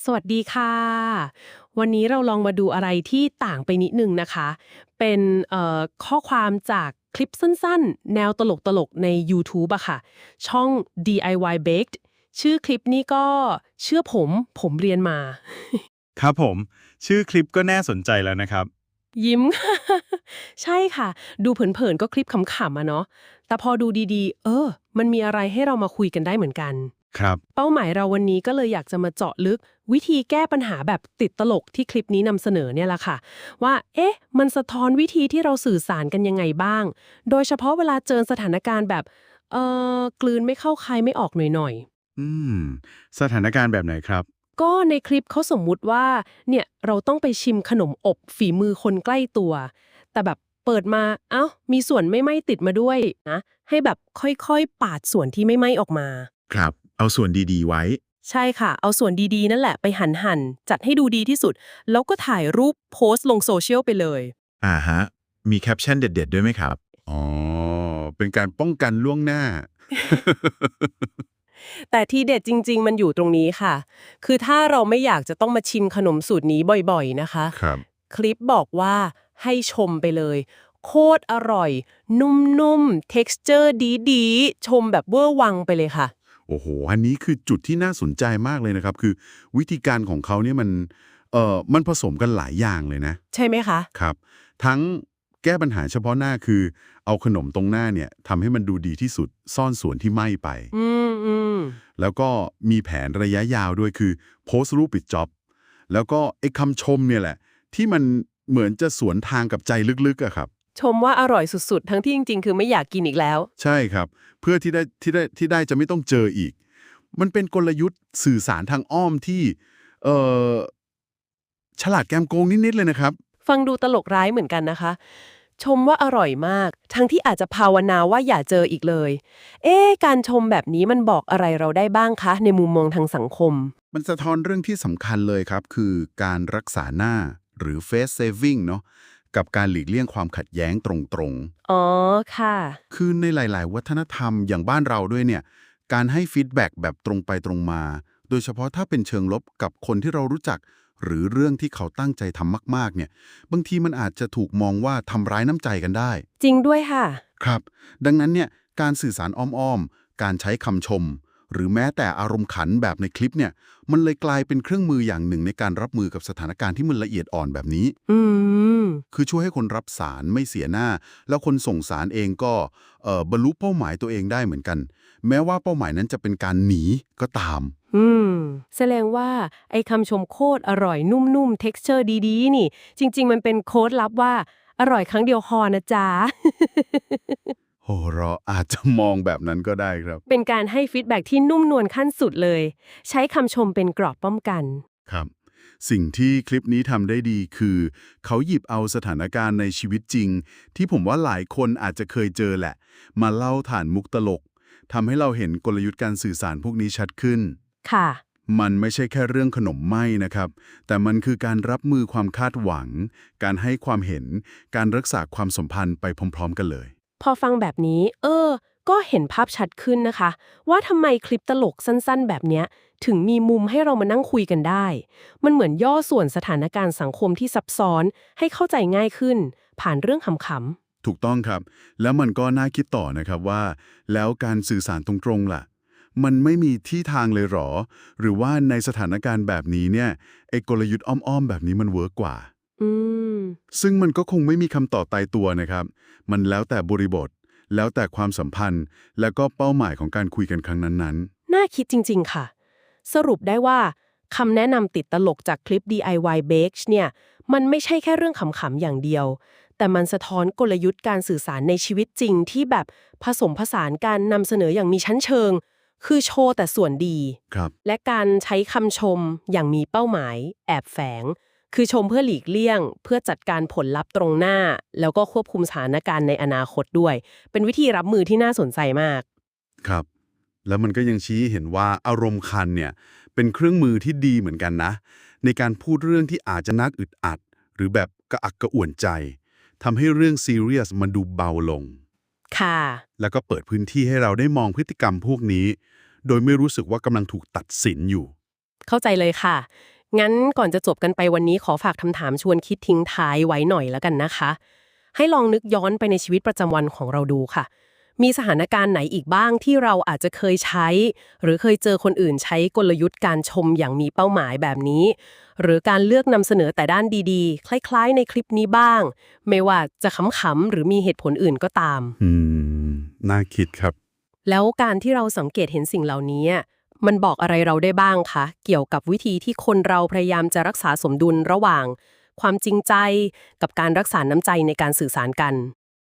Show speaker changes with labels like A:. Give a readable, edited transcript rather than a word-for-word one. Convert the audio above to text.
A: สวัสดีค่ะวันนี้เราลองมาดูอะไรที่ต่างไปนิดนึงนะคะเป็นข้อความจากคลิปสั้นๆแนวตลกๆใน YouTube อะค่ะช่อง DIY Baked ชื่อคลิปนี้ก็เชื่อผมเรียนมา
B: ครับผมชื่อคลิปก็น่าสนใจแล้วนะครับ
A: ยิ้มใช่ค่ะดูเผินๆก็คลิปขำๆอะเนาะแต่พอดูดีๆมันมีอะไรให้เรามาคุยกันได้เหมือนกัน
B: ครับ
A: เป้าหมายเราวันนี้ก็เลยอยากจะมาเจาะลึกวิธีแก้ปัญหาแบบติดตลกที่คลิปนี้นำเสนอเนี่ยแหละค่ะว่ามันสะท้อนวิธีที่เราสื่อสารกันยังไงบ้างโดยเฉพาะเวลาเจอสถานการณ์แบบกลืนไม่เข้าคายไม่ออกหน่อย
B: อืมสถานการณ์แบบไหนครับ
A: ๆก็ในคลิปเขาสมมุติว่าเนี่ยเราต้องไปชิมขนมอบฝีมือคนใกล้ตัวแต่แบบเปิดมาเอ้ามีส่วนไม่ไหม้ติดมาด้วยนะให้แบบค่อยๆปาดส่วนที่ไม่ไหม้ออกมา
B: ครับเอาส่วนดีๆไว้
A: ใช่ค่ะ เอาส่วนดีๆนั่นแหละไปหั่นจัดให้ดูดีที่สุด แล้วก็ถ่ายรูปโพสต์ลงโซเชียลไปเลย
B: ฮะมีแคปชั่นเด็ดๆด้วยไหมครับอ๋อเป็นการป้องกันล่วงหน้า
A: แต่ที่เด็ดจริงๆมันอยู่ตรงนี้ค่ะ คือถ้าเราไม่อยากจะต้องมาชิมขนมสูตรนี้บ่อยๆนะคะ
B: ครับ
A: คลิปบอกว่าให้ชมไปเลย โคตรอร่อย นุ่มๆ texture ดีๆ ชมแบบเวอร์วังไปเลยค่ะ
B: โอ้โหอันนี้คือจุดที่น่าสนใจมากเลยนะครับคือวิธีการของเขาเนี่ยมันผสมกันหลายอย่างเลยนะ
A: ใช่ไหมคะ
B: ครับทั้งแก้ปัญหาเฉพาะหน้าคือเอาขนมตรงหน้าเนี่ยทำให้มันดูดีที่สุดซ่อนส่วนที่ไหม้ไป
A: อืมอืม
B: แล้วก็มีแผนระยะยาวด้วยคือโพสต์รูปปิดจ็อบแล้วก็ไอ้คำชมเนี่ยแหละที่มันเหมือนจะสวนทางกับใจลึกๆอะครับ
A: ชมว่าอร่อยสุดๆ ทั้งที่จริงๆ คือไม่อยากกินอีกแล้ว
B: ใช่ครับเพื่อที่ได้จะไม่ต้องเจออีกมันเป็นกลยุทธ์สื่อสารทางอ้อมที่เอ่อฉลาดแกมโกงนิดๆเลยนะครับ
A: ฟังดูตลกร้ายเหมือนกันนะคะ ชมว่าอร่อยมาก ทั้งที่อาจจะภาวนาว่าอย่าเจออีกเลย การชมแบบนี้มันบอกอะไรเราได้บ้างคะในมุมมองทางสังคม
B: มันสะท้อนเรื่องที่สำคัญเลยครับคือการรักษาหน้าหรือ face saving เนาะกับการหลีกเลี่ยงความขัดแย้งตรง
A: อ๋อค่ะ
B: ๆคือในหลายๆวัฒนธรรมอย่างบ้านเราด้วยเนี่ยการให้ฟีดแบ็กแบบตรงไปตรงมา โดยเฉพาะถ้าเป็นเชิงลบกับคนที่เรารู้จัก หรือเรื่องที่เขาตั้งใจทำมากๆเนี่ยบางทีมันอาจจะถูกมองว่าทำร้ายน้ำใจกันได้
A: จริงด้วยค่ะ
B: ครับดังนั้นเนี่ยการสื่อสารอ้อมๆการใช้คำชม หรือแม้แต่อารมณ์ขันแบบในคลิปเนี่ยมันเลยกลายเป็นเครื่องมืออย่างหนึ่งในการรับมือกับสถานการณ์ที่มันละเอียดอ่อนแบบนี้
A: อืม
B: คือช่วยให้คนรับสารไม่เสียหน้า แล้วคนส่งสารเองก็บรรลุเป้าหมายตัวเองได้เหมือนกัน แม้ว่าเป้าหมายนั้นจะเป็นการหนีก็ตาม
A: อืม แสดงว่าไอ้คำชมโคตรอร่อยนุ่มๆ texture ดีๆ นี่ จริงๆ มันเป็นโค้ดลับว่าอร่อยครั้งเดียวพอนะจ๊ะ
B: โหเราอาจจะมองแบบนั้นก็ได้ครับ
A: เป็นการให้ฟีดแบ็กที่นุ่มนวลขั้นสุดเลย ใช้คำชมเป็นเกราะป้องกัน
B: ครับสิ่งที่คลิปนี้ทำได้ดีคือเขาหยิบเอาสถานการณ์ในชีวิตจริงที่ผมว่าหลายคนอาจจะเคยเจอแหละมาเล่าผ่านมุกตลกทำให้เราเห็นกลยุทธ์การสื่อสารพวกนี้ชัดขึ้น
A: ค่ะ
B: มันไม่ใช่แค่เรื่องขนมไหม้นะครับแต่มันคือการรับมือความคาดหวังการให้ความเห็นการรักษาความสัมพันธ์ไปพร้อมๆกันเลย
A: พอฟังแบบนี้ ก็เห็นภาพชัดขึ้นนะคะ ว่าทำไมคลิปตลกสั้นๆ แบบเนี้ยถึงมีมุมให้เรามานั่งคุยกันได้ มันเหมือนย่อส่วนสถานการณ์สังคมที่ซับซ้อนให้เข้าใจง่ายขึ้น ผ่านเรื่องขำ
B: ถูกต้องครับแล้วมันก็น่าคิดต่อนะครับว่าแล้วการสื่อสารตรงๆล่ะมันไม่มีที่ทางเลยหรอหรือว่าในสถานการณ์แบบนี้เนี่ยไอ้กลยุทธ์อ้อมๆแบบนี้มันเวิร์กกว่า
A: ๆ
B: ซึ่งมันก็คงไม่มีคำตอบตายตัวนะครับมันแล้วแต่บริบทแล้วแต่ความสัมพันธ์แล้วก็เป้าหมายของการคุยกันครั้งนั้น
A: น่าคิดจริงๆ ค่ะ สรุปได้ว่าคำแนะนำติดตลกจากคลิป DIY Bake เนี่ยมันไม่ใช่แค่เรื่องขำๆอย่างเดียว แต่มันสะท้อนกลยุทธ์การสื่อสารในชีวิตจริงที่แบบผสมผสานการนำเสนออย่างมีชั้นเชิง คือโชว์แต่ส่วนดี
B: ๆครับ
A: และการใช้คำชมอย่างมีเป้าหมายแอบแฝง คือชมเพื่อหลีกเลี่ยงเพื่อจัดการผลลัพธ์ตรงหน้า แล้วก็ควบคุมสถานการณ์ในอนาคตด้วย เป็นวิธีรับมือที่น่าสนใจมาก
B: ครับแล้วมันก็ยังชี้ให้เห็นว่าอารมณ์คันเนี่ยเป็นเครื่องมือที่ดีเหมือนกันนะในการพูดเรื่องที่อาจจะนักอึดอัดหรือแบบกระอักกระอ่วนใจทำให้เรื่องซีเรียสมันดูเบาลง
A: ค่ะ
B: แล้วก็เปิดพื้นที่ให้เราได้มองพฤติกรรมพวกนี้ โดยไม่รู้สึกว่ากำลังถูกตัดสินอยู่
A: เข้าใจเลยค่ะงั้นก่อนจะจบกันไปวันนี้ขอฝากคำถามชวนคิดทิ้งท้ายไว้หน่อยแล้วกันนะคะ ให้ลองนึกย้อนไปในชีวิตประจำวันของเราดูค่ะ มีสถานการณ์ไหนอีกบ้างที่เราอาจจะเคยใช้ หรือเคยเจอคนอื่นใช้กลยุทธ์การชมอย่างมีเป้าหมายแบบนี้ หรือการเลือกนำเสนอแต่ด้านดีๆ คล้ายๆในคลิปนี้บ้าง ไม่ว่าจะขำๆหรือมีเหตุผลอื่นก็ตาม
B: น่าคิดครับ
A: แล้วการที่เราสังเกตเห็นสิ่งเหล่านี้มันบอกอะไรเราได้บ้างคะเกี่ยวกับวิธีที่คนเราพยายามจะรักษาสมดุลระหว่าง ความจริงใจกับการรักษาน้ำใจในการสื่อสารกัน